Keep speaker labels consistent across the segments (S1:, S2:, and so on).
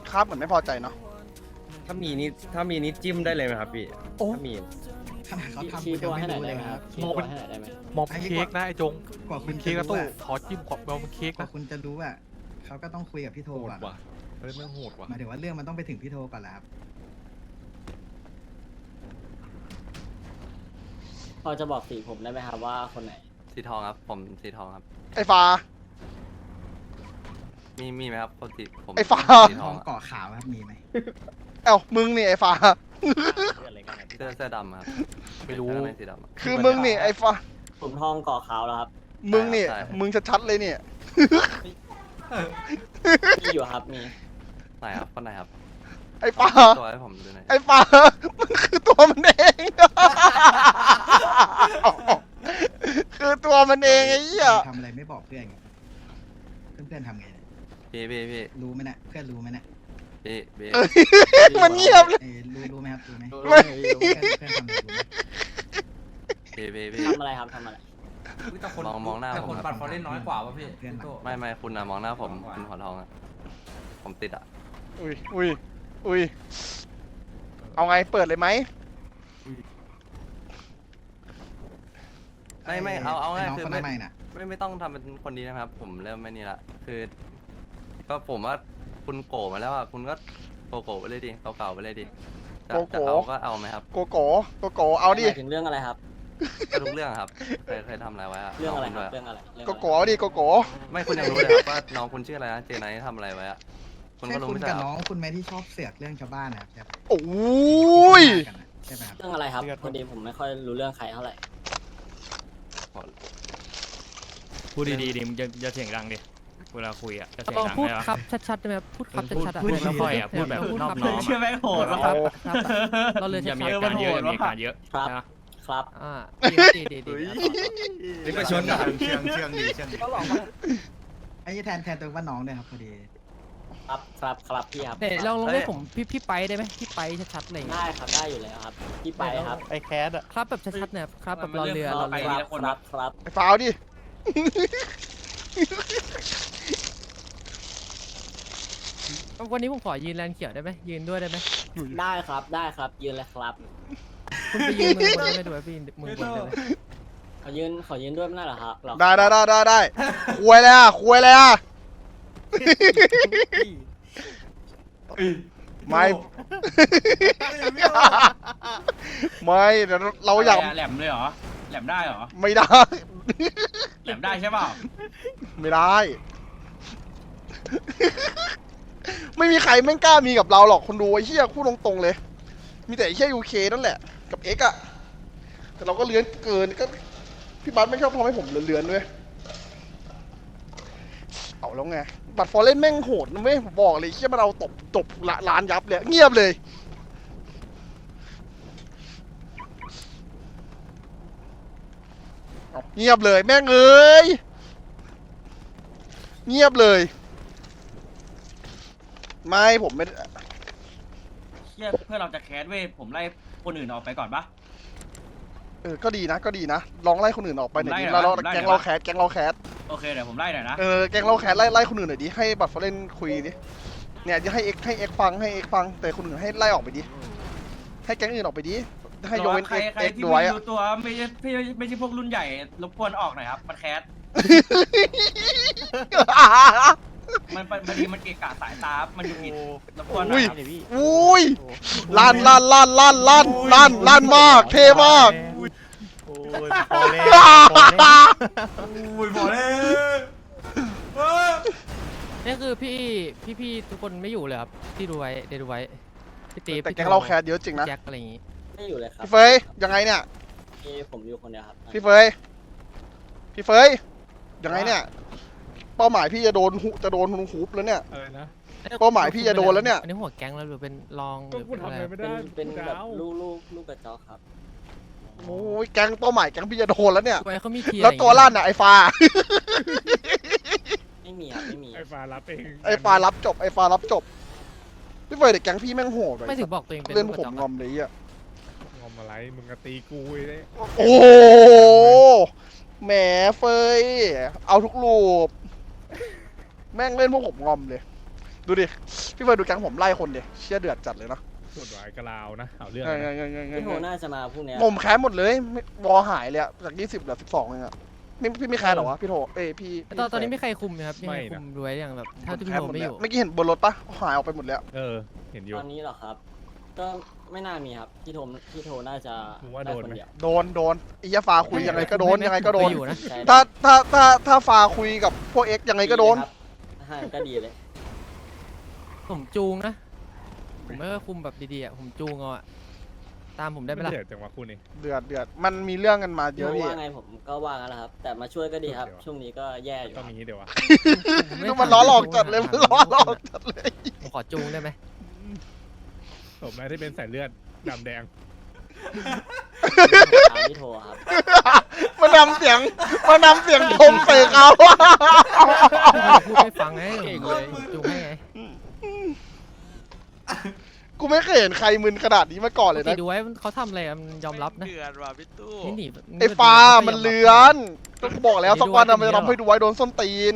S1: ครับเหมือนไม่พอใจเนาะ
S2: ถ้ามีนิดจิ้มได้เลยไหมครับพี่
S1: โอ้
S2: ถ้ามี
S3: ขนาดเขาทำ
S4: ชี้
S3: คุณ
S4: ตั
S3: ยัง
S4: วให้
S3: ไม่
S4: หน่อย
S3: รู้
S4: ได้
S3: เลย
S4: ไหม
S3: ค
S4: ค
S3: รั
S4: รั
S3: บบ
S4: ชี้ตัวให้หน่อยได้ไหม
S5: มองเป็นเค้กนะไอ้จง
S3: กว่าคุณ
S5: เค้กกระ
S3: รู้
S5: ตู้
S3: อะ
S5: ขอจิ้มขอมองเป็นเค้ก
S3: กว่า
S5: นะ
S3: คุณจะรู้อะเขาก็ต้องคุยกับพี่โท
S5: โหด
S3: ก่อน
S5: ว่ะเฮ้ยแม่งโหดว่ะ
S3: หมายถึงว่าเรื่องมันต้องไปถึงพี่โทก่อนแล้วครับ
S4: พอจะบอกสีผมได้ไหมครับว่าคนไหน
S6: สีทองครับผมสีทองครับ
S1: ไอ้ฟ้า
S6: มีไหมครับคนสีผม
S1: ไอ้ฟ้า
S6: สี
S3: ท
S6: ท
S3: อ
S6: อง ง
S3: เกาะขาวครับมีไหม
S1: เอ้ามึงนี่ไอ้ฟ้า
S6: เสื้อดำครับ
S5: ไม่รู้
S6: เสื้อในสีดำอะ
S1: คือมึงนี่ไอ้ฟ้า
S4: ผมทองก่อขาวแล้วครับ
S1: มึงนี่
S6: ใช่
S1: มึงชัดๆเลยเนี่ย
S4: มีอยู่ครับมี
S6: ไหนครับคนไหนครับ
S1: ไอ้ฟ้า
S6: ตัวให้ผมดูหน่อย
S1: ไอ้ฟ้ามันคือตัวมันเอง คือตัวมันเองไอ้เหี้ย
S3: ทำอะไรไม่บอกเพื่อนไงเพื่อนๆทำไงเนี่ย
S6: พี่
S3: รู้ไหมนะเพื่อนรู้ไหมนะ
S6: พี่
S1: เอ้ยมันเงียบเลย
S3: รู้ไหมครับรู้ไหม
S1: ไม่
S3: เพื่อนทำอะไรรู้ไหม
S6: พี่
S4: ทำอะไรครับทำอะไร
S6: มองหน้า
S7: แต่
S6: ผ
S7: ค
S6: ม
S7: น
S6: ครับ
S7: ปัดฟอร์เรนน้อยกว่าป่ะพี่
S3: เพื่อน
S7: พี่โต้
S6: ไม่คุณนะมองหน้าผมคุณหัวทองอะผมติดอะ
S1: อุ้ยเอาไงเปิดเลยไหม
S6: ไม่เอาง่าย
S3: น้อง
S6: คือ
S3: คน
S6: ไม่
S3: ใหม่น่ะ
S6: ไม่ต้องทำเป็นคนดีนะครับ ผมเริ่มไม่นี่ละคือ ก็ผมว่าคุณโกมาแล้วอะคุณก็โกไปเลยดิเก่าๆไปเลยดิจะเอาก็เอาไหมครับ
S1: โกโก้เอาดิ
S4: หมายถึงเรื่องอะไรครับ
S6: ก็ทุกเรื่องครับเคยทำอะไรไว้อะ
S4: เรื่องอะไร
S6: น้
S4: ครับ
S6: คุณด้วย
S4: เรื่องอะไรเรื่อง
S1: โก
S4: อะไร
S1: โก้เอาดิโกโก้
S6: ไม่คุณยังรู้เลยครับว่าน้องคุณชื่ออะไรนะเจไนท์ทำอะไรไว้อะคุณ
S3: ใช่
S6: ก็รู้
S3: คุณ
S6: ไม่ใช่
S3: กับ
S6: เหร
S3: น้
S6: อ
S3: องคุณไหมที่ชอบเสือกเรื่องชาวบ้านนะครับใช่ปะ
S1: โอ้ย
S3: กันน่ะใช่ไหมครับ
S4: เรื่องอะไรครับพอดีผมไม่ค่อยรู้เรื่องใครเท่าไหร่
S8: พูดดีๆดิมึงจะเสียงดังดิเวลาคุยอ่ะจะเสียง
S9: ลอง
S8: ดัง
S9: พูด
S8: ได้ปะ
S9: ครับชัดๆได้ไหมครับพูดครับ
S8: พูด
S9: ชัดๆอ่ะ
S8: พูดไม่ค่อยอ่ะพูดแบบนอบน้อม
S7: เชื่อ
S8: อะ
S7: ไหมโหด
S9: ค
S7: วะ
S9: รับครับเราเลย
S8: อย่ามี
S9: ชั
S8: อา
S9: ด
S8: การเยอะ
S7: มันโหด
S8: อย่ามีอาการเยอะ
S4: ครับ
S8: นะ
S4: ครับ
S9: ๆอ่าดี
S2: นี่ก็ชนอ่ะ
S5: เชื่องดีเชื่องดี
S3: ไอ้แทนตัวว่าน้องด้วยครับพอดี
S4: ครับพี่ครับ
S9: เดี๋ยวลองเรียกผมพี่ไปได้ไหมพี่ไปชัดๆอะไรอย่างเงี้ย
S4: ได้ครับได้อยู่แล้วครับพี่ไปครับ
S5: ไอ้แคสอะ
S9: ครับแบบชัดๆเนี่ยครับแบบรอเรือ
S4: ค
S9: ร
S4: รั
S9: อบ เรือ
S4: ครับ
S1: ไอ้ฟ้าเอาดิ
S9: วันนี้ผมขอยืนแลนเขียวได้ไหมยืนด้วยได้ไหม
S4: ได้ครับยืนเลยครับ
S9: คุณไปยืนมือบนได้ไหมดูไหมพี่มือบนได้ไหม
S4: ขอยืนด้วยไม่ได้เหรอครับเหรอ
S1: ได้คุยเลยอ่ะไม่ไม่เดี๋ยวเราอยาก
S7: แหลมเลยเหรอแหลมได้เหรอ
S1: ไม่ได้
S7: แหลมได้ใช่เปล่า
S1: ไม่ได้ ไม่มีใครแม่งกล้ามีกับเราหรอกคนดูไอ้เหี้ยพูดตรงๆเลย มีแต่ไอ้เหี้ยยูเคนั่นแหละกับเอ็กอะแต่เราก็เลื้อนเกินก็พี่บัสไม่ชอบทำให้ผมเลื้อนๆด้วยเอาแล้วไงบัตรฟอร์เรนแม่งโหดนะเว้ยผมบอกเลยเหี้ยมันเอาตบร้านยับเลยเงียบเลยเอาเงียบเลยแม่งเอ้ยเงียบเลยไม่ผมไม่
S7: เชี่ยเพื่อนเราจะแคสเว้ยผมไล่คนอื่นออกไปก่อนปะ
S1: ก็ดีนะลองไล่คนอื่นออกไปหน่อยดิ
S7: ไล่
S1: แล้ว
S7: ไล่
S1: แก๊งเราแคส
S7: โอเคเดี๋ยวผมไล่หน่อยนะ
S1: แก๊งเราแคสไล่คนอื่นหน่อยดิให้บัตรฟอร์เรนคุยดิเนี่ยจะให้เอ็กฟังแต่คนอื่นให้ไล่ออกไปดิให้แก๊งอื่นออกไปดิให้ยกเว้น
S7: ใคร
S1: เอ็ก
S7: ที่
S1: ด้วย
S7: ไม่
S1: อะ
S7: รู้ตัวไม่ใช่พวกรุ่นใหญ่รบกวนออกหน่อยครับมันแคสมันบางทีมันเกะกะสายตา มันอยู่ผิดรบกวนหน่อยครับ
S1: อุ้ยลั่นมากเท่มาก
S5: โอ้ยพอเล่น
S7: อุ้ยพอเลย
S9: นี่คือพี่ทุกคนไม่อยู่เลยครับที่ดูไว้เดี๋ยวดูไว้พี่ตี
S1: แต่แก๊งเราแคสเยอะจริงนะ
S9: แจ็คอะไรอย่างงี้
S4: ไม่อยู่เลยครับ
S1: พี่เฟยยังไงเนี่ย
S4: ผมอยู่คนเดียวครับ
S1: พี่เฟยยังไงเนี่ยเป้าหมายพี่จะโดนฮุบแล้วเนี่ย
S5: นะ
S1: เป้าหมายพี่จะโดนแล้วเนี่ย
S9: อันนี้หัวแก๊งแล้วหรือเป็นรองหรือเป็นอะไร
S4: เป็นแบบลูกกระจอกครับ
S1: โอ้ยแก๊งเป้าหมายแก๊งพี่จะโดนแล้วเนี่ย
S9: ไว้เขามีที
S1: แล้วตัวลั่นอ่ะไอ้ฟ้า
S4: ไม่มีครับไม่มี
S5: ไอ้ฟ้ารับเอง
S1: ไอ้ฟ้ารับจบพี่เฟยเด็กแก๊งพี่แม่งโหด
S9: ไม่ถึงบอกตัวเองเป็น
S1: เล่น
S9: ลูก
S1: ผ
S9: กระ
S1: ม
S9: จอก
S1: งอมเลยอ่ะ
S5: งอมอะไรมึงก็ตีกูเลย
S1: โอ้โหแหมเฟยเอาทุกรูปแม่งเล่นพวกผมงอมเลยดูดิพี่เฟิร์นดูแก๊งผมไล่คนดิเชี่ยเดือดจัดเลยนะ
S5: กดไว้กระลาวนะเอาเรื่อง
S1: ไง
S5: นะ
S4: พี่โทน่าจะมาพรุ่งนี้
S1: งมแคสหมดเลยไม่วอหายเลยอะจาก20เหลือ12เองอะพี่ไม่แคสเหรอวะพี่โทพี่
S9: ตอนนี้ไม่ใครคุมไหมครับไม่ใครคุมด้วยอย่างแบบถ้าที่พี่โทไม่อยู่
S1: เมื่อกี้เห็นบนรถปะหายออกไปหมดแล้ว
S5: เห็นอยู่
S4: ตอนนี้เหรอครับ ก็ไม่น่ามีครับพี่โทน่าจะ
S5: มึงว่าโดนไหม
S4: คเยว
S1: โดนไอ้ยาฟ้าคุยยังไงก็โดนยังไงก็โดน
S9: อยู่นะ
S4: ใช่
S1: ถ้าฟ้าคุยกับพวกเอ็กยังไงก็โดน
S4: ครับห่างก็ดีเลย
S9: ผมจูงนะผมไม่ค่อยคุมแบบดีๆอ่ะผมจูงเอาอ่ะตามผมได้ไหมล่ะ
S5: เดือดจังวะคู่นี้
S1: เดือดมันมีเรื่องกันมาเยอะ
S4: พี่
S1: พี่
S4: ว่าไงผมก็ว่างั้นแหละครับ แต่มาช่วยก็ดีครับ
S5: เดี๋ยว
S4: ช่วงนี้ก็แย่อยู่
S5: ต้องมีเดี๋ยววะ
S1: ดูมันล้อหลอกจัดเลยมันล้อหลอกจัดเลย
S9: ผมขอจูงได้ไหม
S5: ผมนะที่เป็นสายเลือดดำแดง
S4: ตามพี่โทครับ
S1: มันนำเสียงชมใส่เขา
S9: พูดให้ฟังไงผมจูงให้ไง
S1: กูไม่เคยเห็นใครมึนขนาดนี้มาก่อนเลย
S9: ปก
S1: นะ
S9: ติดูไว้เขาทำอะไรอะมันยอมรับนะ
S10: เดือดว่ะพี่ตู้
S9: นี่หนี
S1: ไอ้ฟ้ามันเลือนก็บอกแล้วสักวันมันจะทำให้ดูไว้โดนส้นตีน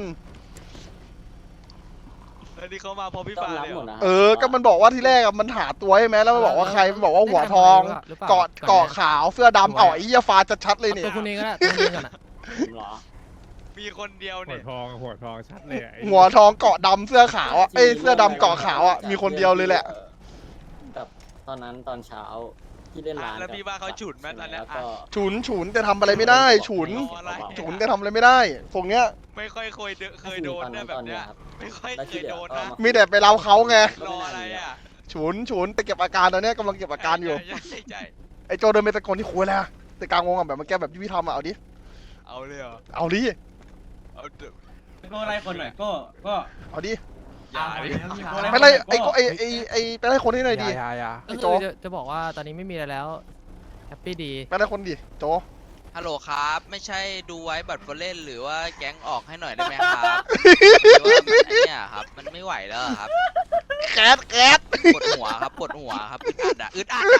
S10: แล้วนี่เขามาพอพี่
S4: ต้อ
S10: ฟ้าง
S4: รับ
S10: เลย
S4: ห
S10: เห
S4: ม
S10: ร
S4: ด
S10: อ
S4: นะ
S1: ก็มันบอกว่าที่แรกมันหาตัวใช่ไหมแล้วมันบอกว่าใครมันบอกว่าหัวทองเกาะขาวเสื้อดำไอ้เหี้ยฟ้าชัดๆเลยเนี่ย
S9: ตัวคุณเองก็ได้ตัวคุณเองก่อนอ่ะ
S4: ผมเหรอ
S10: มีคนเดียว
S5: หั
S10: เนี่
S5: วย ทองชัดเลยอะไอ้
S1: หัวทองเกาะดำเสื้อขาวอ่ะเอ้ยเสื้อดำเกาะขาวอ่ะมีคนเดียวเลยแหละ
S4: กับตอนนั้นตอนเช้าที่เล่นร้าน
S10: แล้วพี่ว่าเขาฉุดไหมตอนเนี้ย
S4: แล้วก็
S1: ฉุนแต่ทำอะไรไม่ได้ฉุนแต่ทำอะไรไม่ได้ตรงเนี้ย
S10: ไม่ค่อยเคยโดนเนี่ยแบบเนี้ย ไม่ค่อยเคยโดนนะ
S1: มีแต่ไปเล่าเขาไง
S10: รออะไรอ่ะ
S1: ฉุนแต่เก็บอาการตอนเนี้ยกำลังเก็บอาการอยู่
S10: ใช่
S1: ไอ้โจเดินไปตะโกนที่คุยแล้วแต่กลางวงอ่ะแบบมันแก้แบบที่พี่ทำอ่ะเอาดิ
S10: เอาเลยเหรอ
S1: เอาดิ
S10: เอาเถอะ
S7: ก็ไล่คนหน่อยก็
S1: เอาดิ
S10: อย่าดิ
S1: ไปไล่ไอ้ไปไล่คนที่ไหนอยดิ
S9: ก็
S1: โจ
S9: คือจะบอกว่าตอนนี้ไม่มีอะไรแล้วแฮปปี้ดี
S1: ไปไล่คนดิโจ
S10: ฮัลโหลครับ ไม่ใช่ดูไว้บัตรเล่นหรือว่าแก๊งออกให้หน่อยได้ไหมครับหรือว่าเนี่ยครับมันไม่ไหวแล้วครับ
S1: แก๊ส
S10: ปวดหัวครับอึดอัด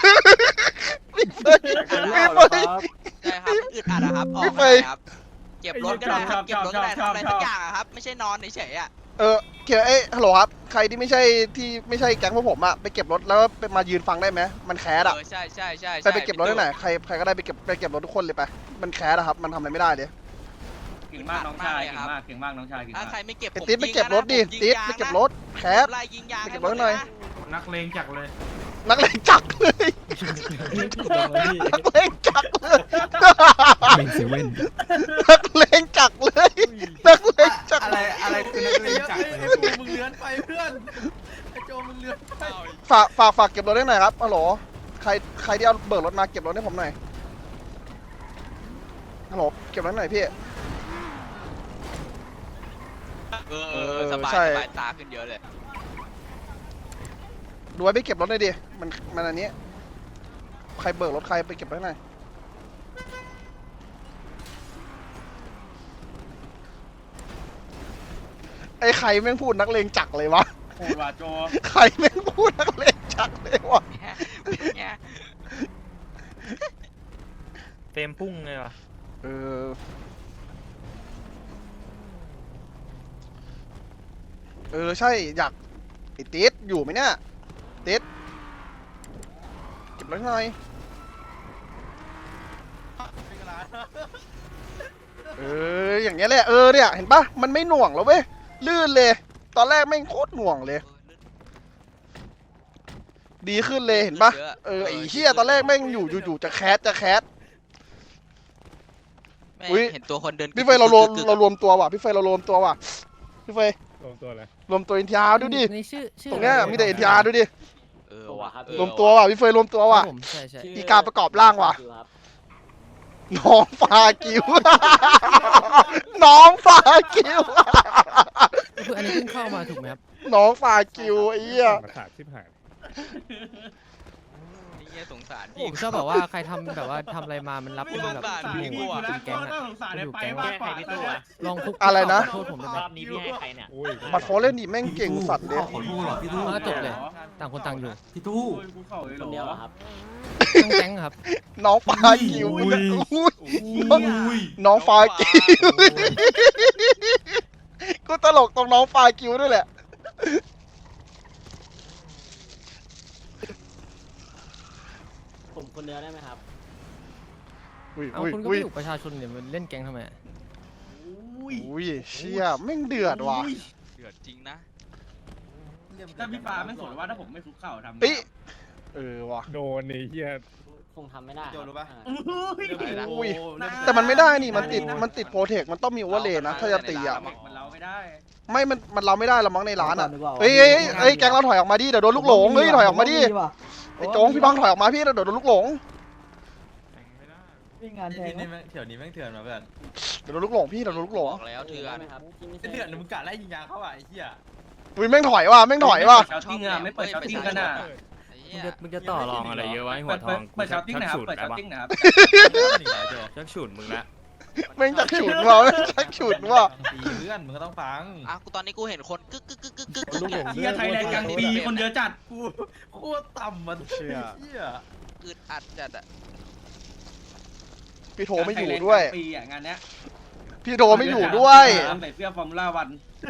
S10: ใช่ครับอึดอัดครับออกมาครับเก็บรถก็ได้ครับเก็บรถก็ได้ทำอะไรสักอย่างครับไม่ใช่นอนเฉยๆอ่ะ
S1: เขียนฮัลโหลครับใครที่ไม่ใช่แก๊งพวกผมอ่ะไปเก็บรถแล้วไปมายืนฟังได้ไหมมันแคสอ่ะ
S10: ใช่
S1: ไปเก็บรถได้ไหนใครก็ได้ไปเก็บรถทุกคนเลยไปมันแคสอะครับมันทำอะไรไม่ได้เลย
S7: เก่งมากน้องชายเก่งมากน้องชายเก่งาก
S10: ถ้ามใครไม่เก็บ
S1: ไอ้ติ๊ดไปเก็บรถดิติ๊ดไปเก็บรถแคส
S10: ไล่ยิงยาง
S1: ไปเก็บรถหน่อย
S7: นักเลงจักเลย
S1: นักเลงจักรเลยนักเลงจักรเลยนักเลงจักรเลยนักเลงจักร
S7: อะไรคือนักเลงจักเลยมึงเลื้อนไปเพื่อนไอ้โจมึงเลื้อนไป
S1: ฝากเก็บรถได้หน่อยครับฮัลโหลใครที่เอาเบิกรถมาเก็บรถให้ผมหน่อยฮัลโหลเก็บรถหน่อยพี่
S10: สบายตาขึ้นเยอะเลย
S1: ดูไว้ไปเก็บรถหน่อยดิมันอันนี้ใครเบิกรถใครไปเก็บรถหน่อยไอ้ใครแม่งพูดนักเลงจักรเลยวะ
S7: โหดว่ะโจ
S1: ใครแม่งพูดนักเลงจักรเลยวะ
S8: เต็มพุ่งเลยวะ
S1: ใช่อยากไอ้ติ๊ดอยู่ไหมเนี่ยติ๊ดเก็บรถหน่อยอย่างเงี้ยแหละเนี่ยเห็นปะมันไม่หน่วงแล้วเว้ยลื่นเลยตอนแรกแม่งโคตรหน่วงเลยดีขึ้นเลยเห็นปะไอ้เหี้ยตอนแรกแม่งอยู่จะแคสอุ๊ย
S10: เห็นตัวคนเดิน
S1: พี่เฟยเรารวมตัวว่ะพี่เฟยเรารวมตัวว่ะพี่เฟย
S5: รวมตัวเลย
S1: รวมตัวเอ็นทีอาร์ดูดิ
S9: ในชื่อ
S1: ตรงเนี้ยมีแต่เอ็นทีอาร์ดูดิ
S4: ว่ะครับ
S1: รวมตัวว่ะพี่เฟยรวมตัวว่ะ
S9: ผมใช่
S4: ชื่
S1: มีการประกอบร่างว่ะ
S4: ครับ
S1: น้องฟากิว น้องฟากิว
S9: คืออันนี้เพิ่งเข้ามาถูกไหมครับ
S1: น้องฟากิวไอ้เหี้ย
S5: มาขาดชิบหาย
S10: นี่สงสาร
S9: ผ
S10: พี่
S9: มชอบแบบว่าใครทำแบบว่าทำอะไรมามันรับเป็นแบบ
S10: สงสารพี่
S9: ห
S10: กู
S9: มู่
S10: อะ
S9: เป็นแก๊ง
S7: น่า
S9: อะ
S7: สงสาร
S9: อยู่
S7: ไป
S9: แก๊ง
S7: มากกว่า
S9: ลองคุก
S1: อะไรนะ
S9: โทษผมได้ไหม
S7: รอบนี้พี่ให้ใครเนี่ย
S5: อุ้ย
S1: บัตรโฟเล่นดิแม่งเก่งสัตว์เลย
S9: ก็จบเลย ต่างคนต่างอยู่
S7: กูเข้าเลย
S4: คนเดียวเหรอครับ
S9: ทั้งแก๊งอะครับ
S1: น้องฟากิวน้องฟากิวกูตลกตรงน้องฟากิวด้วยแหละ
S4: ผมคนเดียวได้ไหมครับ
S1: อุ้ย
S9: เอา
S1: อุ้ย
S9: คุณก็
S1: อุ้
S9: ไม่
S1: ย
S9: อยู่ประชาชนเนี่ยมันเล่นแก๊งทำไมอะ
S1: อุ้ยเชี่ยแม่งเดือดว่ะ
S10: เดือดจริงนะ
S7: ถ้าพี่ฟ้าไม่สนว่าถ้าผมไม่คุกเข่าทำไง
S1: เอ้ยเออว่ะ
S5: โดนไอ้เหี้ย
S4: คงทำไม่ได้ครับ
S7: โจรู้ปะ
S1: อุ้ยแต่มันไม่ได้นี่มันติดโปรเทคมันต้องมีโอเวอร์เลย์นะถ้าจะตีอ่ะ
S7: มันเราไม่ได้
S1: ไม่มันเราไม่ได้เรามั้งในร้านอ่ะเอ้ยแก๊งเราถอยออกมาดิเดี๋ยวโดนลูกหลงเฮ้ยถอยออกมาดิไอ้โจงพี่บังถอยออกมาพี่เดี๋ยวโดนลูกหลง
S3: วิ่งงานแทน
S6: นี่เถื่อนนี้แม่งเถื่อนมาเพื่อน
S1: เดี๋ยวโดนลูกหลงพี่เดี๋ยวโดนลูกหลง
S10: บอกแล้วเถื่อน
S4: ได้ไหมครับที่ไม่ใช่
S6: เถื่อนมึงกะไล่ยิงยางเข้าอ่ะไอ้เหี้ย
S1: อุ้ยแม่งถอยว่ะแม่งถอยว่ะ
S7: เช้าติ้งอะไม่เปิดเช้าติ้งกันอะ
S10: ไอ้
S8: มึ
S10: เหี้
S8: ง
S10: ย
S8: จะมึงจะต่อรองอะไรเยอะวะไอ้หัวทอง
S7: เปิดเช้าติ้งนะครับ
S8: ฉุด
S7: เปิด
S8: แล้ว
S7: เช้า
S8: วะ
S7: ติ้งนะครับ
S8: ชักฉุดมึงละ
S1: แม่งจักฉุดเราจักฉุดว่ะ
S6: ตีเพื่อนมึงก็ต้องฟัง
S10: อ่ะกูตอนนี้กูเห็นคนกึกกึกกึกกึกกึกกึก
S7: เฮียไทยแลนด์ยังดีคนเยอะจัด
S6: กูโคตรต่ำมันเหี้ย
S10: อึดอัดจัดอะ
S1: พี่โทไม่อยู่ด้วย
S7: ปีอ่ะงานเนี้ย
S1: พี่โทไม่อยู่ด้วย
S7: ใส่เสื้อฟอร์มูล่าวัน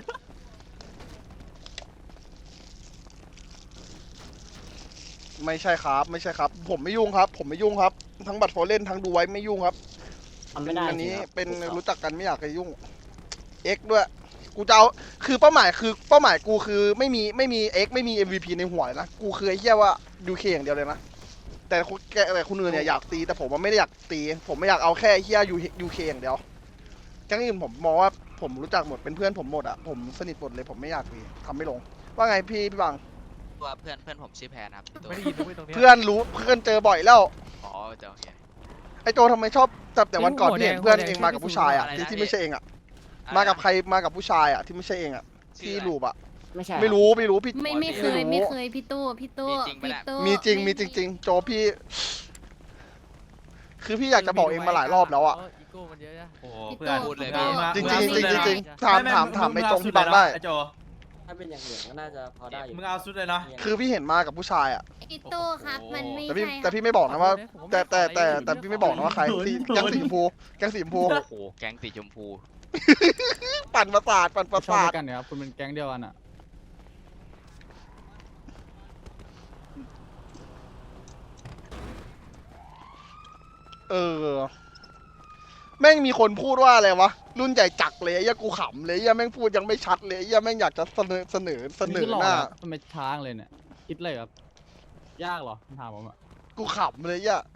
S1: ไม่ใช่ครับไม่ใช่ครับ ผมไม่ยุ่งครับ ผมไม่ยุ่งครับ ทั้งบัตรโฟเล่นทั้งดูไว้ไม่ยุ่งครับ
S4: ทำไม่ได้
S1: อันนี้
S4: จริงครับ
S1: เป็น
S4: คุกข่า
S1: รู้จักกันไม่อยากจะยุ่ง X ด้วย กูจะเอาคือเป้าหมายกูคือไม่มี X ไม่มี MVP ในหัวเลยนะกูคือไอ้เหี้ยว่า UK อย่างเดียวเลยนะแต่คุณอื่นเนี่ยอยากตีแต่ผมว่าไม่ได้อยากตี ผมไม่อยากเอาแค่ไอ้เหี้ย UK อย่างเดียวแก๊งอื่นผมมองว่าผมรู้จักหมดเป็นเพื่อนผมหมดอะผมสนิทหมดเลยผมไม่อยากตีทำไม่ลง ว่าไงพี่บัง
S10: ตัวเพื่อนผมชื่อแพนครับตัว
S5: ไม่ได้ยินด้วยตรงเนี้ย
S1: เพื่อนรู้เพื่อนเจอบ่อยแล้ว
S10: อ๋อเจ้าโอเค
S1: ไอโจทำไมชอบแต่วันก่อนพี่เห็นเพื่อนเองมากับผู้ชายอะที่ไม่ใช่เองอะมากับใครมากับผู้ชายอะที่ไม่ใช่เองอะที่ลูปอะ
S4: ไม่ใช่
S1: ไม่รู้พี่
S11: ไม่เคยพี่ตู้พี่ตู้
S1: มีจริงโจพี่ คือพี่อยากจะบอกเองมาหลายรอบแล้วอะ
S9: อีโก้มันเยอะนะ
S6: โอ้
S11: พี่
S6: เพื่อน
S11: โต้
S10: พูดเลย
S1: จริงถามไอจงพี่บังได้
S6: ไอ้โจ
S4: ถ้าเป็นอย่างอื่นก็น่าจะพอได้อยู่
S6: มึงเอาสุดเลยนะ
S1: คือพี่เห็นมากับผู้ชายอะ
S11: พี่ตู้ครับมันไม่
S1: แต่พี่
S11: ใช่
S1: แต่พี่ไม่บอกนะว่า แต่พี่ไม่บอกนะว่าใครที่แก๊งสีชมพูแก๊งสีชมพู
S10: โอ้โหแก๊งสีชมพู
S1: ปั่นประสาท
S3: กันเนี่ยครับคุณเป็นแก๊งเดียวกันอ่ะ
S1: เออแม่งมีคนพูดว่าอะไรวะรุ่นใหญ่จักเลยไอ้เหี้ยกูขำเลยไอ้เหี้ยแม่งพูดยังไม่ชัดเลยไอ้เหี้ยแม่งอยากจะเสนอหน้า
S3: ทำไมช้างเลยเนี่ยคิดเลยครับยากเหรอถามผมอ่ะ
S1: กูขำเลยไอ่ะ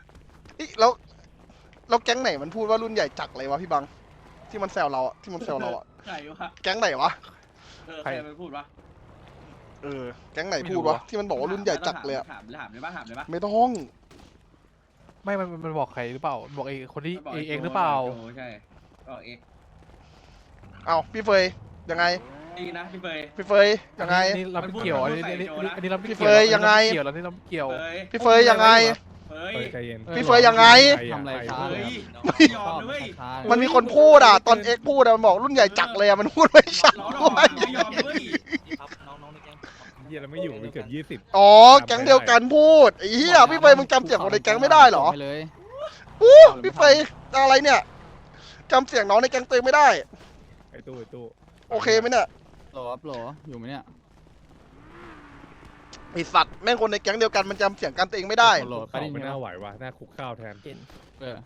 S1: แล้วแก๊งไหนมันพูดว่ารุ่นใหญ่จักเลยวะพี่บัง ที่มันแซวเราอะที่มันแซวเราอะ
S7: ใครวะ
S1: แก๊งไหนวะ
S7: ใครไปพูดวะ
S1: เออแก๊งไหนพูดวะที่มันบอกว่ารุ่นใหญ่จักเลยอะ
S7: ถามเลยปะ
S1: ไม่ต้อง
S5: ไม่มันบอกใครหรือเปล่าบอกไอ้คนที่
S7: บอก
S5: เองหรือเปล่า
S7: โใช่บอกเอ็ก
S1: เอาพี่เฟยยังไง
S7: ดีนะพี่เฟย
S1: พี่เฟยยังไง
S5: นี่เราไม่เกี่ยวอันนี้เราไม่
S1: พี่
S5: เกี่ยว
S1: เฟยยังไง
S5: เกี่ยวแล้วนี่เราไม่เกี่ยว
S1: พี่เฟยยังไง
S7: เฮ้ย
S5: ใจเย็น
S1: พี่เฟยยังไง
S3: ทำอะไรช้า
S7: เฮ้
S3: เลย
S7: ย
S3: ครับ
S7: ไม่ยอมเลย
S3: ช้า
S1: มันมีคนพูดอะตอนเอ็กพูดอะมันบอกรุ่นใหญ่จักเลยอะมันพูดไม่ชัด
S7: ล้อหล
S1: ด้
S7: อ
S1: วย
S7: ไม่ยอมเลย
S5: เฮียเราไม่อยู่มันเกือบ20
S1: อ๋อแก๊งเดียวกันพูดไอ้เหี้ยพี่เฟยมึงจำเสียงคนในแก๊งไม่ได้เหรอ
S3: ไปเลย
S1: อู้พี่เฟยอะไรเนี่ยจำเสียงน้องในแก๊งตัวเองไม่ได้
S5: ไอ้ตู้
S1: โอเคไหมเนี่ย
S3: โหลครับโหลอยู่ไหมเนี่ย
S1: ไอสัตว์แม่งคนในแก๊งเดียวกันมันจำเสียงกันตัวเองไม่ได้
S3: โหล
S5: เขาไม่น่าไหวว่ะน่าคุกข้าวแทน
S3: เออ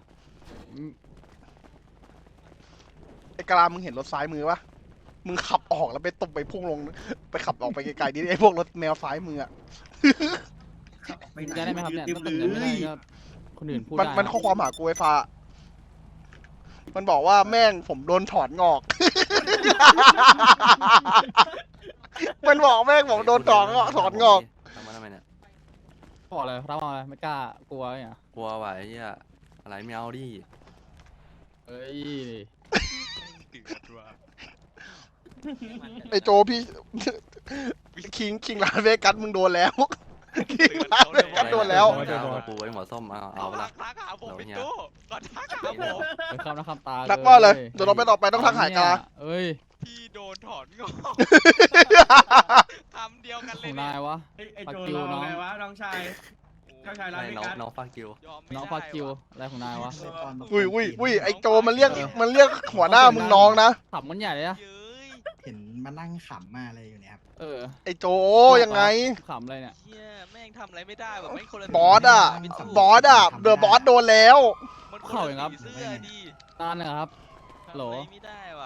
S1: ไอกะลามึงเห็นรถซ้ายมือปะมึงขับออกแล้วไปตบไปพุ่งลงไปขับออกไปไกลๆดิไอพวกรถแมวซ้ายมืออะ
S3: จะได้ไหมครับเนี่ยถ้าเกิดจะไม่ได้ก็คนอื่นพูด
S1: มัน
S3: ได้
S1: มันข้อความหากูไอฟ้า มันบอกว่าแม่งผมโดนถอนงอก มันบอกแม่งผมโดนถอนงอก
S6: ทำมาทำไมเนี่ย
S3: บอกเลยรับอะไรไม่กล้ากลัวเนี่ย
S6: กลัวว่ะไอ้เหี้ยอะไรไม่เอาดิ
S3: เอ้ย
S1: ไอโจพี่ คิงร้านเวกัสมึงโดนแล้ว คิงร้านเวกัสโดนแล้ว
S6: ไม่ได้เอาปูไอ้หัวส้มเอาไปละ
S10: ทักหาผมเป็น
S6: เดี๋ยว
S10: ตู้ก่อนทักหาผม
S3: เป็นคำนะคำตา
S1: นักว่าเลยเดี๋ยวเราไปต่อไปต้องทักหายกา
S3: เอ้ย
S10: พี่โดนถอนงอกคำเดียวกัน
S3: ข
S10: เล
S3: อย ง
S10: เนี่
S3: นาย ยวะ
S7: ไอโจเราไงวะน้องชายน้องชายร้าน
S6: ให้
S7: พิ
S6: น้อง
S7: การ
S6: น้องฟังกิวย
S10: อมไม่
S3: น้อง
S10: ได้
S3: ฟากิว
S10: ว่ะ
S3: อะไรของนายวะ
S1: อุ้ยไอโจมันเรียกหัวหน้ามึงน้องนะ
S3: ขับมันใหญ่เลยนะ
S10: เย้ย
S3: เห็นมานั่งขำมาอะไรอยู่เนี่ยครับ
S1: ไอโจยังไง
S3: ขำอะไรเนี่ย
S10: เฮียแม่งทำอะไรไม่ได้แบบแม่งคนละ
S1: บอสอ่ะ
S10: พี่ตู้
S1: บอสอ่ะเดอะบอสโดนแล้ว
S10: มันคนละสีเสื้อดิ
S3: ตานนะครับ
S10: ทำอะไรไม่ได้ว่ะ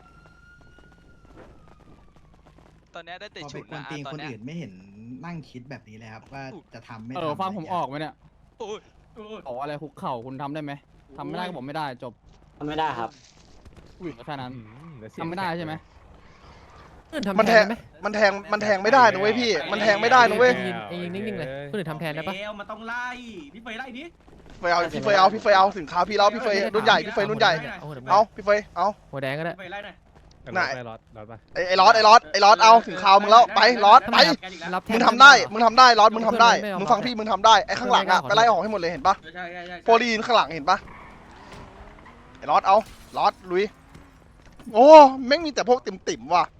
S10: ตอนเนี้ยได้แต่
S3: พอ
S10: ฉุ
S3: ไป
S10: ด
S3: กวน
S10: นะ
S3: ตีน
S10: ตอน
S3: คน
S10: เนี้ย
S3: อื่นไม่เห็นนั่งคิดแบบนี้เลยครับ ว่าจะทำไม่
S12: ฟังผมออกไหมเนี่ย
S10: โอ้ย
S12: บอกอะไรคุกเข่าคุณทำได้ไหมทำไม่ได้ก็บอกไม่ได้จบ
S4: ทำไม่ได้ครับ
S12: แค่นั้น
S5: เดี๋ยวเสียง
S12: ทำไม่ได้ใช่ไหม
S1: มันแทงมันแทงไม่ได้นะเว้ยพี่ มันแทงไม่ได้นะเว้ย
S9: ยิงนิ่งๆเลยคนอื่นทำแทนได้ปะ
S7: แล้วมันต้องไล่พี่เฟยไล่ดิ
S1: พี่เฟยเอาถึงคราวพี่แล้วพี่เฟยรุ่นใหญ่พี่เฟยรุ่นใหญ่
S9: เอาหัวแดง
S1: เอาพี่เฟยเอา
S9: หัวแดงก็ได้
S7: พี่เฟยไล่หน่อย
S1: ไหน
S5: ไปรอดปะ
S1: ไอ้ลอสเอาถึงคราวมึงแล้วไปลอสไป
S7: แกอีกแล้ว
S9: รับแท
S1: มึ
S9: น
S1: งทำได้
S9: เหรอ
S1: มึงทำได้ลอสมึงทำได้
S9: ไม่เอา
S1: มึงฟังพี่มึงทำได้ไอ้ข้างหลังอะ
S9: ไม่
S1: ไป
S9: เอา
S1: ไล่ออกให้หมดเลยเห็นปะ
S7: ใช่ใช่ใช่
S1: โฟลีนข้างหลังเห็นปะไอ้ลอสเอาลอสลุยโอ้แม่งมีแต่พวกติ่มๆว่ะ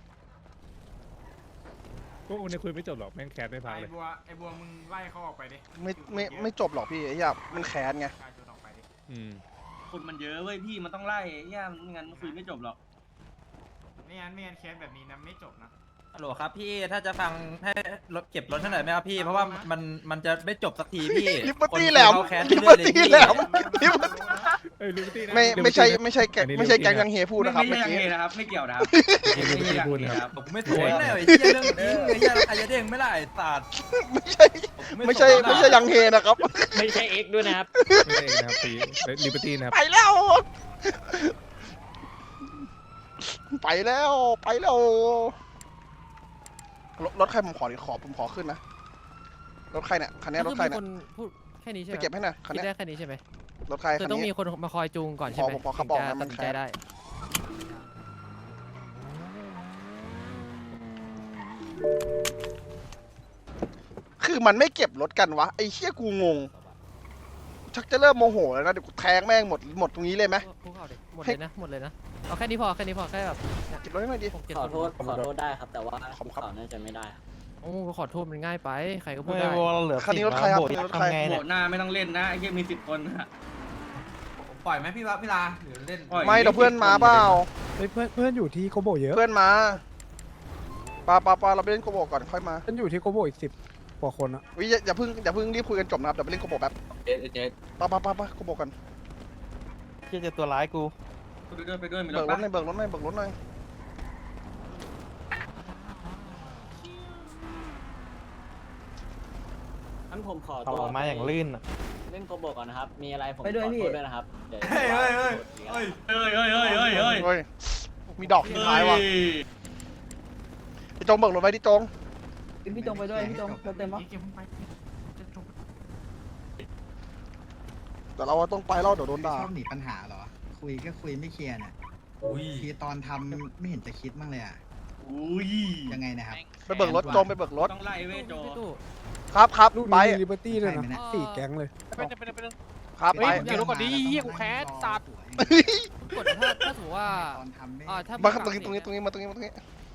S5: พวกคุณเนี่ยคุยไม่จบหรอกแม่งแคสไม่พักเลย
S12: ไอ้บัวมึงไล่เขาออกไปดิ
S1: ไม่จบหรอกพี่ไอ้เหี้ยมันแค้นไง
S5: อืม
S7: คนมันเยอะเว้ยพี่มันต้องไล่ย่าไม่งั้นคุยไม่จบหรอก
S12: ไม่งั้นเคสแบบนี้นะไม่จบนะ
S2: ฮัลโหลครับพี่ถ้าจะฟังให้รถเก็บรถให้หน่อยไหมครับพี่เพราะว่ามันจะไม่จบสักทีพี่
S1: ลิเบอร์ตี้แหลม
S2: คนเขาแค้น
S1: ลิ
S2: เรื่
S1: เบ
S2: อ
S1: อย ร์
S2: ๆเลย
S1: ตี้
S2: พี่
S1: แหลม
S5: เอ้ยลิเบอร์ตี้นะ
S1: ไม่ใช่แก๊งยังเฮพูดนะครับ
S7: ไม่
S1: เมื่อ
S7: ใช่
S1: กี้
S7: ยังไงนะครับไม่เกี่ยวนะครับ
S5: ลิเบอร์ตี้พูดนะครับ
S2: ผมไม่สวยเลยไอ้เหี้ยเรื่องจริงไอ้เหี้ยใครจะเด้งไม่ได้ศาสตร์
S1: ไม่ใช่ยังเฮนะครับ
S4: ไม่ใช่เอ็กด้วยนะครับ
S5: ไม่ใช่เองนะครับตีลิเบอร์ตี้นะครับ
S1: ไปแล้ว ไปแล้วรถใครผมขอขึ้นนะรถใครเนี่ยคันนี้รถใคร
S9: ก็
S1: เนี่ย
S9: มีคนพูดแค่นี้ใช่ไห
S1: ไป
S9: ม
S1: เก็บให้หน่อยคัน
S9: คิด
S1: นี้
S9: ได้แค่นี้ใช่ไหม
S1: รถใคร
S9: คือ
S1: คัน
S9: ต้องมี
S1: นี้
S9: คนมาคอยจูงก่อนใช่ไหม
S1: ผมขอขับออก
S9: ถึ
S1: นะ
S9: ง
S1: มั
S9: จะ
S1: น
S9: ตัดสิน
S1: แค
S9: ใจ
S1: บ
S9: ได้
S1: คือมันไม่เก็บรถกันวะไอ้เชี่ยกูงงชักจะเริ่มโมโหแล้วนะเดี๋ยวกูแทงแม่งหมดตรงนี้เลยไหม
S9: คุกเข่าดิหมดเลยนะหมดเลยนะเอาแค่นี้พอแค่แบบ
S1: เก็บรถให้หน่อยดิ
S9: 6-7
S4: ขอ
S9: คน
S4: โทษได้ครับ แต่ว่า
S1: ขอบคุณครับ
S4: เขาน่าจะไม่ได้ครับ
S9: โอ้ขอโทษมันง่ายไปใครก็พูดได้
S1: คันนี้รถใครครับคันนี้รถใคร
S7: โหวตหน้าไม่ต้องเล่นนะไอ้เหี้ยมี10 คนนะ
S2: ปล่อยไหมพี่ลาหรือเล่น
S1: ไม่เดี๋ยวเพื่อนมาเปล่า
S12: เพื่อนอยู่ที่โกโบเยอะ
S1: เพื่อนมาปาเราไปเล่นโกโบก่อนค่อยมา
S12: เพื่อนอยู่ที่โกโบอีก10 กว่าคนอะ
S1: วิอย่าเพิ่งรีบคุยกันจบนะครับเดี๋ยวไปเล่นโกโบแป๊บปาโกโบกัน
S2: ที่จะตัวร้ายกู
S7: ไปด้วยมีร
S1: เบิ
S7: ถ
S1: กร
S7: ปะ
S1: ถหน่อยเบิกรถหน่อย
S4: งั้นผมขอ
S2: เอา
S4: ตัว
S2: ออกมาอย่างลื่นอ่ะ
S4: เล่นโกโบก่อนนะครับ มีอะไรผม
S2: ไปด้วย
S4: ขอ
S2: พี่
S4: โทษด้วยนะครับเดี๋ยว
S1: เฮ้ยมีดอกทิ้งท้ายว่ะพี่จงเบิกรถไว้ที่จง
S3: พี่จงไปด้วยพี่จงเต็มปะ
S1: แต่เราต้องไปแล้วเดี๋ยวโดนด่า
S3: ชอบหนีปัญหาเหรอ คุยก็คุยไม่เคลียร์เนี่ยทีตอนทำไม่เห็นจะคิดบ้างเลยอ่ะ
S7: อุ้ย
S3: ยังไงนะครับ
S1: ไปเบิกรถจงไปเบิกรถ
S7: ต้องไล่เว้ยโจ
S9: พี่ตู้
S1: ครับไป
S12: ลิเบอร์ตี้เลยนะ
S3: ไปไหมนะ
S12: 4 แก๊งเลย
S1: ครับไป
S3: เกี่ยวกับดีเหี้ยกูแค้นสัตว์
S9: กดถ้าสมมติว่า
S3: ตอนทำไม่
S9: ถ้า
S1: มาครับตรงนี้มาตรงนี้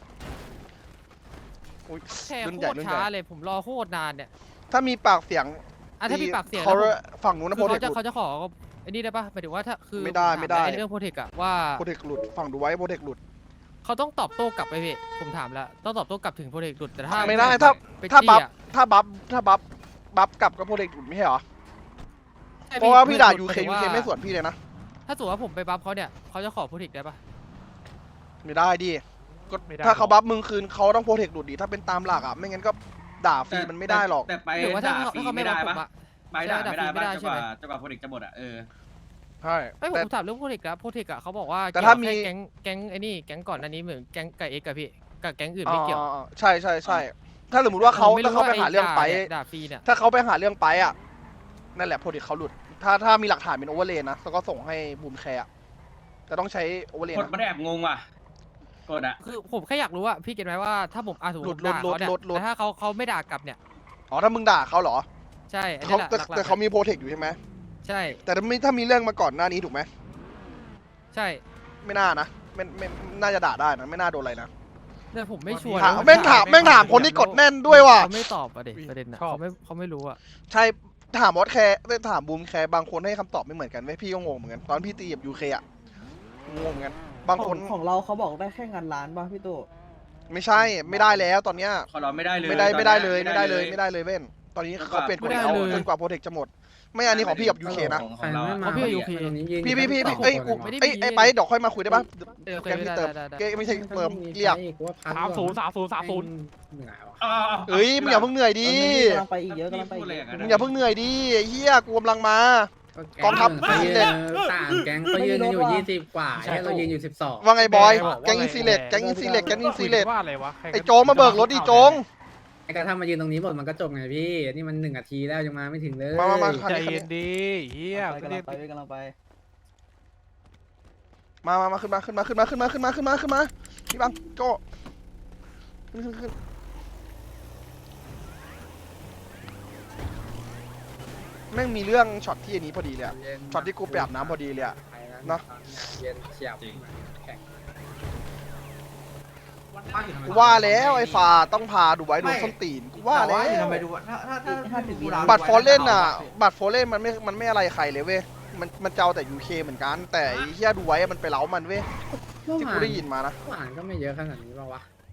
S1: อุ้ย
S9: แค่
S1: รุ่น
S9: โค
S1: ใหญ่
S9: ตร
S1: รุ่นให
S9: ช้า
S1: ญ่
S9: เลยผมรอโคตรนานเนี่ย
S1: ถ้ามีปากเสียง
S9: ถ้ามีปากเสียง
S1: เขา
S9: แล้วผม
S1: ฝั่งนู้นนะ
S9: คื
S1: โป
S9: อ
S1: รเทค
S9: เขาจะขอไอ้นี่ได้ปะหมายถึงว่าถ้าคือ
S1: ไม่ได้
S9: ผถา
S1: ไม่ได้
S9: อ้เรื่องโปรเทคอะว่า
S1: โปรเทคหลุดฝั่งดูไว้โปรเทคหลุด
S9: เขาต้องตอบโต้กลับไปพี่ผมถามแล้วต้องตอบโต้กลับถึงโปรเทคหลุดแต่ถ้า
S1: ไม่ได้
S9: ไป
S1: ถ้า
S9: จี้
S1: บัฟ
S9: อะ
S1: ถ้าบัฟกลับก็โปรเทคหลุดไม่ใช่เหรอ
S9: ใช่
S1: เพราะว่าพี่ด่า
S9: ห
S1: ยู
S9: ม
S1: เค
S9: ถึง
S1: ยูเคไม่สวนพี่เลยนะ
S9: ถ้าสมมติว่าผมไปบัฟเขาเนี่ยเขาจะขอโปรเทคได้ปะ
S1: ไม่ได้ดิก็
S5: ไม่ได้
S1: ถ้าเขาบัฟมึงคืนเขาต้องโปรเทคหลุดดิถ้าเป็นตามหลักอ่ะไม่งั้นก็ด่าฟรีมันไม่ได้หรอก
S7: แต่ไป
S9: หรือว่าถ้า
S7: ด่าฟรี
S9: เขา
S7: ไม่
S9: ไม่
S7: ได้
S9: บัฟผม
S7: ปะ
S9: อะ
S7: ไปด่าไม่ได้
S9: ไม่ได้
S7: ปะ
S9: ใช่ไหม
S7: จนกว่าโปรเจกต์จะหมดอ่ะ
S1: ใช่
S9: ไอ้ยผ
S1: แต่
S9: มถามเรื่องโปรเทคอะโปรเทคอะเขาบอกว่า
S1: แต่ถ้ามี
S9: เกี่ยวกับแก๊งไอ้นี่แก๊งก่อนอันนี้เหมือนแก๊งกับเอ็กกับพี่กับแก๊งอื่นไม่เกี่ยว
S1: ใช่ถ้าสมมติว่าเขา
S9: ผมไม่
S1: ถ้า
S9: รู้
S1: เขาไป
S9: ว่
S1: หาเรื่องไป
S9: ด่าฟรีเนี่ย
S1: ถ้าเขาไปหาเรื่องไปอ่ะนั่นแหละโปรเทคเขาหลุดถ้ามีหลักฐานเป็นโอเวอร์เลย์นะแล้วก็ส่งให้บูมแคร์แต่ต้องใช้โอเวอร์เลย์
S7: กด
S1: นะ
S7: มันแอบงงว่ะกดอ่ะ
S9: คือผมแค่อยากรู้ว่าพี่เก็ตไหมว่าถ้าผมสมมติผมด่าเขาเนี่ย
S1: หลุด
S9: แต่ถ้าเขาไม่ด่ากลับเนี่ย
S1: อ๋อถ้ามึงด่าเขาเหรอ
S9: ใช่อัน
S1: เขา
S9: นี้แหละ
S1: แต่
S9: หลักๆ
S1: แต่เขามีโปรเทคอยู่ใช่ไหม
S9: ใช่
S1: แต่ถ้ามีเรื่องมาก่อนหน้านี้ถูกไหม
S9: ใช่
S1: ไม่น่านะไม่น่าจะด่าได้นะไม่น่าโดนอะไรนะ
S9: แต่ผมไม่ชัวร์
S1: ถาม
S9: นะ
S1: แม่งถามคนที่กดแน่นด้วยว่ะ
S9: เขาไม่ตอบประเด็นนะเขาไม่รู้อะ
S1: ใช่ถามวอตแคร์ถามบูมแคร์บางคนให้คำตอบไม่เหมือนกันเว้ยพี่ก็งงเหมือนกันตอนพี่ตีกับยูเคอะงงเหมือนกันบางคน
S12: ของเราเขาบอกได้แค่งานร้านป่ะพี่ตู้
S1: ไม่ใช่ไม่ได้แล้วตอนเนี้ย
S7: ของเราไม่ได้เลย
S1: ไม่ได้เลยไม่ได้เลยเว้นตอนนี้เขาเปลี่ยนกฎแล้วจนกว่าโปรเทคจะหมด ไม่อันนี้ของพี่กับยูเคนะ
S7: ของเรา
S9: เพราะพี่อยู่พี
S1: พี่เอ้ยกู
S9: ไม่ได้
S1: เอ้ย
S9: มี
S1: ไอ้ไปเดี๋ยวค่อยมาคุยได้ปะ
S9: โอเค
S1: แกพี่เติม
S9: ได้
S1: แกไม่ใช่เติมเรียก
S5: 30
S1: เอ้ยมึงอย่าเพิ่งเหนื่อยดิ
S12: กำลังไปอีกเยอะกำลังไป
S7: พูดอะไรอย่างนั้น
S1: มึงอย่าเพิ่งเหนื่อยดิไอ้เฮียกูกำลังมากองทัพซีเล็ก
S12: แก๊งเขายืนอยู่20 กว่าเรายืนอยู่12
S1: ว่าไงบอยแกงอินซีเล็กแกงอินซีเล็กแกงอินซีเล็ก
S5: ว่าอะไรวะ
S1: ไอ้โจงมาเบิกรถดิโจง
S12: ไอ้กระทำมายืนตรงนี้หมดมันก็จบไงพี่นี่มัน1 นาทีแล้วยังมาไม่ถึงเลย
S1: มา
S5: ใจเย็นดีเฮีย
S12: กำลังไปกำลังไป
S1: มาขึ้นมาพี่บังโจขึ้นแม่งมีเรื่องช็อตที่อันนี้พอดีเลยอะช็อตที่กูไปอาบน้ำพอดีเลยอะเนาะ
S12: เย็นเฉียบ
S1: กูว่าแล้วไอ้ฝ่าต้องพาดูไว้โดนส้นตีนกูว่าแล้ว
S2: ทำไมดูถ้า
S1: บัตรโฟเล่นอ่ะบัตรโฟเล่นมันไม่อะไรใครเลยเว้ยมันเจ้าแต่ UK เหมือนกันแต่ไอ้เหี้ยดูไว้มันไปเล้ามันเว้ยที่กูได้ยินมานะ
S12: หวานก็ไม่เยอะขนาดนี้ป่าววะ